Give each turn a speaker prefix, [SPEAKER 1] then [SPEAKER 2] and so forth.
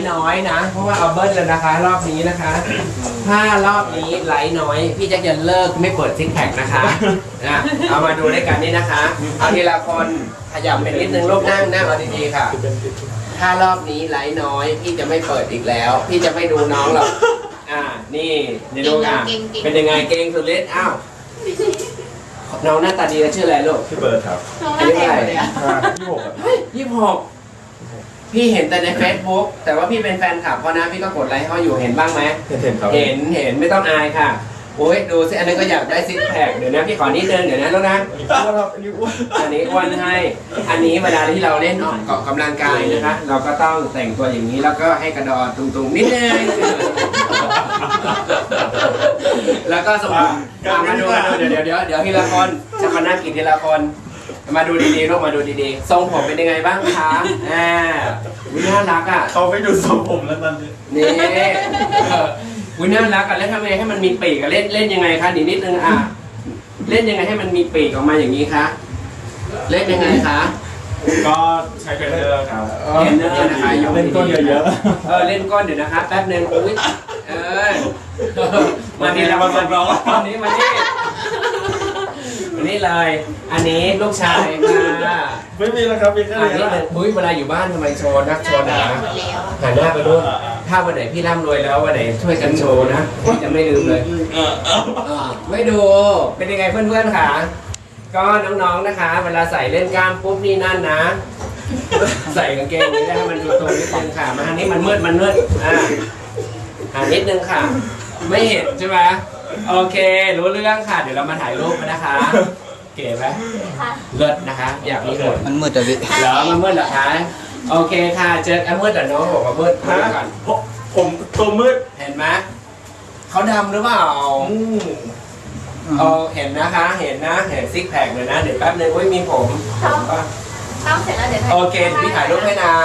[SPEAKER 1] น้อยนะเพราะว่าเอาเบิ้ลเลยนะคะ รอบนี้นะคะถ้ารอบนี้ไลท์น้อยพี่แจ็คจะเลิกไม่เปิดซิกแพคนะคะนะเอามาดูด้วยกันนี่นะคะเอาทีละคนขยับไปนิดนึงลูกนั่งเอาดีๆค่ะถ้ารอบนี้ไลท์น้อยพี่จะไม่เปิดอีกแล้ว พี่จะไม่ดูน้องหรอกนี่ในลูกเป็นยังไงเก่งสุดฤทธิ์อ้าวน้องหน้าตาดีชื่ออะไรลูก
[SPEAKER 2] พี่เบิร์ดครับ
[SPEAKER 1] อายุเท่าไหร่
[SPEAKER 2] 26
[SPEAKER 1] พี่เห็นแต่ใน Facebook แต่ว่าพี่เป็นแฟนคลับเขานะพี่ก็กดไลค์เขาอยู่เห็นบ้างไหม
[SPEAKER 2] เห็นครับ
[SPEAKER 1] เห็นไม่ต้องอายค่ะโอ้ยดูสิอันนี้ก็อยากได้ซิกแพคเดี๋ยวนะพี่ขอนิดนึงเดี๋ยวนะลูกนะอันนี้อ้วนให้อันนี้เวลาที่เราเล่นออกกำลังกายนะคะเราก็ต้องแต่งตัวอย่างนี้แล้วก็ให้กระดอนตุงๆนิดนึงแล้วก็สมมติมาดูเดี๋ยวทีละคนจะมานั่งกินทีละคนมาดูดีๆลูกมาดูดีๆทรงผมเป็นยังไงบ้างคะวิน่ารักอ่ะ
[SPEAKER 2] เขาไปดูทรงผมแล้วตอนนี้
[SPEAKER 1] นี่วิน่ารักอ่ะแล้วทำไงให้มันมีปีกอ่ะเล่นยังไงคะนิดนึงเล่นยังไงให้มันมีปีกออกมาอย่างนี้คะเล่นยังไงคะ
[SPEAKER 2] ก็ใช้เทรนเนอร์ครับ
[SPEAKER 1] เทรนเนอร์นะคะยก
[SPEAKER 2] เล่นก้นเยอะ
[SPEAKER 1] เล่นก้นเดี๋ยวนะคะแป๊บนึงอุ้ยมานี่แล้วมานี่มานี่เลยอันนี้ลูกชายค่ะ
[SPEAKER 2] ๆไม่มีแล้วครับมีแค่
[SPEAKER 1] อัน
[SPEAKER 2] นี้
[SPEAKER 1] นี้
[SPEAKER 2] แหละ
[SPEAKER 1] อุ้ยเวลาอยู่บ้านทำไมโชว์นักโชว์หนาหันหน้าไปด้วยถ้าวันไหนพี่ร่ำรวยแล้ววันไหนช่วยกันโชว์นะพี่จะไม่ลืมเลยไม่ดูเป็นยังไงเพื่อนๆค่ะก็น้องๆนะคะ เวลาใส่เล่นกล้ามปุ๊บนี่นั่นนะ ใส่กางเกงนี้ได้ให้มันดูตรงนิดนึงค่ะมาทางนี้มันมืดหานิดนึงค่ะ ไม่เห็นใช่ไหมโอเครู้เรื่องค่ะเดี๋ยวเรามาถ่ายรูปกันนะคะ เก๋ไหมเลิศนะคะ อยากมีผล
[SPEAKER 3] มันมืดอะพี่
[SPEAKER 1] เหรอมันมืดเหรอคะโอเคค่ะเจอกันมืดแต่น้องบอกว่ามืดก่อน
[SPEAKER 2] ผมตัวมืด
[SPEAKER 1] เห็นไหมเขาดำหรือเปล่าเห็นนะคะเห็นซิกแพคเลยนะเดี๋ยวแป๊บนึงมีผม
[SPEAKER 4] ทำเสร็จแล้วเดี๋ยว
[SPEAKER 1] โอเคพี่ถ่ายรูปให้นะ